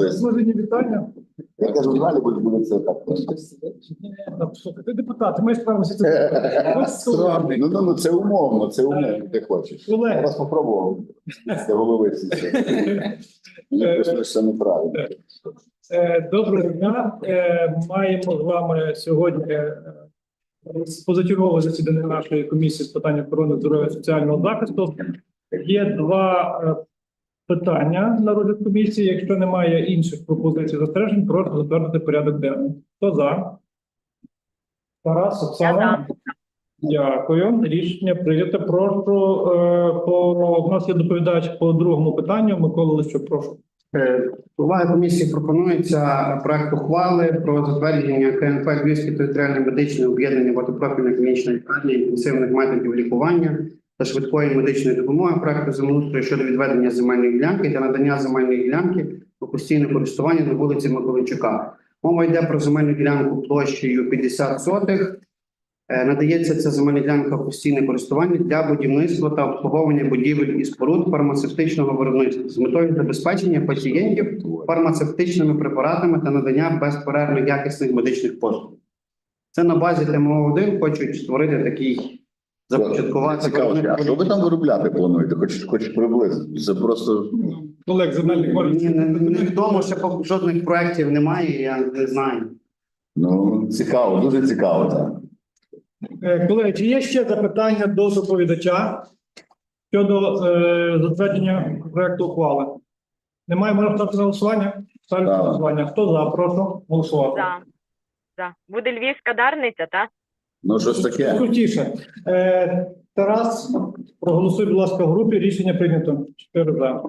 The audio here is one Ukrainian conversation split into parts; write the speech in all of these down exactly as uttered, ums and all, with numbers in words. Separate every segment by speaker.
Speaker 1: підпис.
Speaker 2: Служені вітання.
Speaker 1: Я кажу, далі буде, буде це так.
Speaker 2: Слухай, ти депутат, ти маєш право сидіти.
Speaker 1: Ну, ну, ну, це умовно, це умовно, ти хочеш. Я
Speaker 2: Колеги,
Speaker 1: вас попробував. Це голови всі. Мені просто це неправильно.
Speaker 2: е, доброго дня. Е, Маємо з вами сьогодні е, позачергове засідання нашої комісії з питань охорони здоров'я і соціального захисту. Є два е, питання на розгляд комісії. Якщо немає інших пропозицій застережень, прошу затвердити порядок денний. Хто за? Тарас, Оксана? Дякую. Рішення прийнято. Прошу, е, по, у нас є доповідач по другому питанню. Микола Лищук, прошу.
Speaker 3: До уваги комісії пропонується проект ухвали про затвердження КНП Львівське територіальне медичне об'єднання багатопрофільної клінічної лікарні інтенсивних методів лікування та швидкої медичної допомоги проекту землеустрою щодо відведення земельної ділянки та надання земельної ділянки у постійне користування на вулиці Миколайчука. Мова йде про земельну ділянку площею п'ятдесят сотих. Е, Надається ця земельна ділянка в постійне користування для будівництва та обслуговування будівель і споруд фармацевтичного виробництва з метою забезпечення пацієнтів фармацевтичними препаратами та надання безперервно якісних медичних послуг. Це на базі Т М О один хочуть створити такий започаткувати.
Speaker 1: Цікаво, а що ви там виробляти плануєте? Хоч, хоч приблизно. Це просто...
Speaker 2: Олег, земельний
Speaker 3: Ні, не, не відомо, ще поки жодних проєктів немає, я не знаю.
Speaker 1: Ну, цікаво, дуже цікаво, так.
Speaker 2: Е, Колеги, чи є ще запитання до доповідача щодо е, затвердження проекту ухвали? Немає, можна ставити на голосування? Ставлю на
Speaker 1: Так.
Speaker 2: голосування. Хто за? Прошу голосувати.
Speaker 4: За. За. Буде львівська дарниця, так?
Speaker 1: Ну, щось таке.
Speaker 2: Крутіше. Е, Тарас, проголосуй, будь ласка, в групі. Рішення прийнято. Чотири за.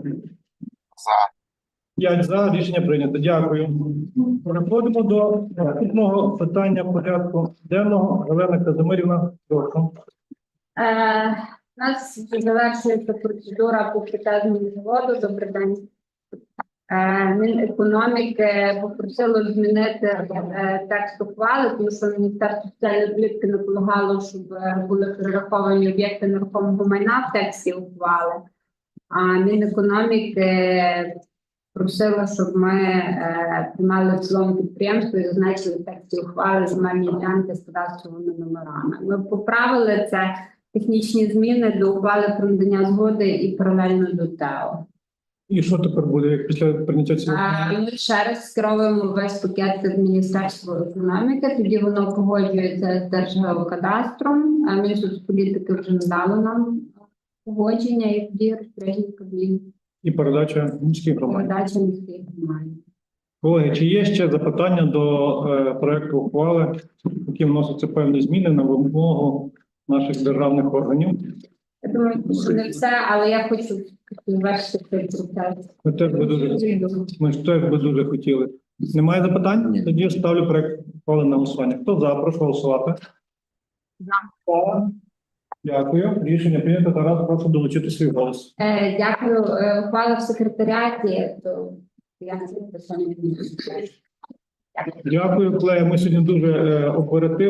Speaker 2: П'ять за. Рішення прийнято. Дякую. Переходимо до наступного питання порядку денного. Галина Казимирівна, прошу.
Speaker 5: Е, У нас вже завершується процедура по притягненню заводу. Добрий день. Е, Мінекономіки попросило змінити е, текст ухвали, тому що Міністерство соціальної політики наполягало, щоб е, були перераховані об'єкти нерухомого майна в тексті ухвали. А Мінекономіки просила, щоб ми е, приймали в цілому підприємство і зазначили в тексті ухвали земельні ділянки з кадастровими номерами. Ми поправили це технічні зміни до ухвали про надання згоди і паралельно до ТЕО.
Speaker 2: І що тепер буде, як після прийняття цього?
Speaker 5: А, Ми ще раз скеровуємо весь пакет від Міністерства економіки, тоді воно погоджується з Держгеокадастром, а Мінсоцполітики вже надало нам погодження і тоді розпорядження Кабміну.
Speaker 2: І передача міських громад.
Speaker 5: Передача міських громад.
Speaker 2: Колеги, чи є ще запитання до е, проекту ухвали, які вносяться певні зміни на вимогу наших державних органів?
Speaker 5: Я думаю, що не все, але я хочу завершити цей процес.
Speaker 2: Ми теж би дуже, ми ж теж би дуже хотіли. Немає запитань? Тоді ставлю проект ухвали на голосування. Хто за? Прошу голосувати. За. Дякую. Рішення прийнято. Тарас, прошу долучити свій голос.
Speaker 5: Е, Дякую. Е, Ухвала в секретаріаті, то я не знаю, що не
Speaker 2: Дякую, колеги. Ми сьогодні дуже е, оперативно.